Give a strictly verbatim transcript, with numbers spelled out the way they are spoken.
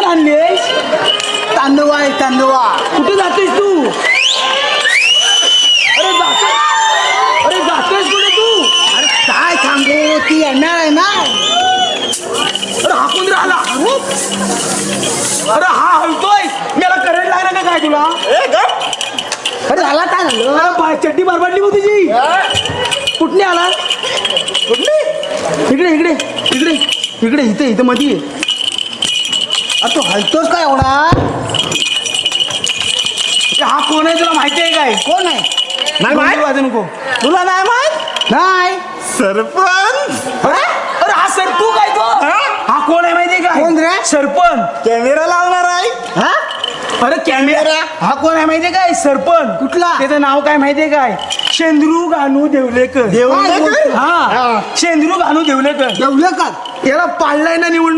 आणलीस? तांदूळ आहे तांदूळ. कुठे जातोयस तू? अरे जातोय अरे जातोयस कुठे तू? अरे काय सांगू, ती येणार आहे ना. अरे हा कोण राहिला? अरे हा हलतोय, मला करंट लागला का काय तुला? अरे झाला काय झालं? अरे बाय चड्डी बरबाडली मग तुझी. कुठली आला? कुठली? इकडे इकडे इकडे इकडे इथे इथं मध्ये ये. अरे तू हलतोस काय एवढा? अरे हा कोण आहे तुला माहिती आहे काय? कोण आहे? नाही माहिती वाजू नको. तुला नाही माहित? नाही. सरपंच. अरे अरे हा सरपू काय तो? हा कोण आहे माहिती आहे काय? कोण रे? सरपंच. कॅमेरा लावणार आहे. हा? अरे कॅमेरा. हा कोण आहे माहितीये काय? सरपंच. कुठला? त्याचं नाव काय माहितीये काय? शेंद्रू गानू देवलेकर. देवलेकर? हा शेंद्रू गानू देवलेकर. जेवलं का? याला पाळलाय ना निवडणूक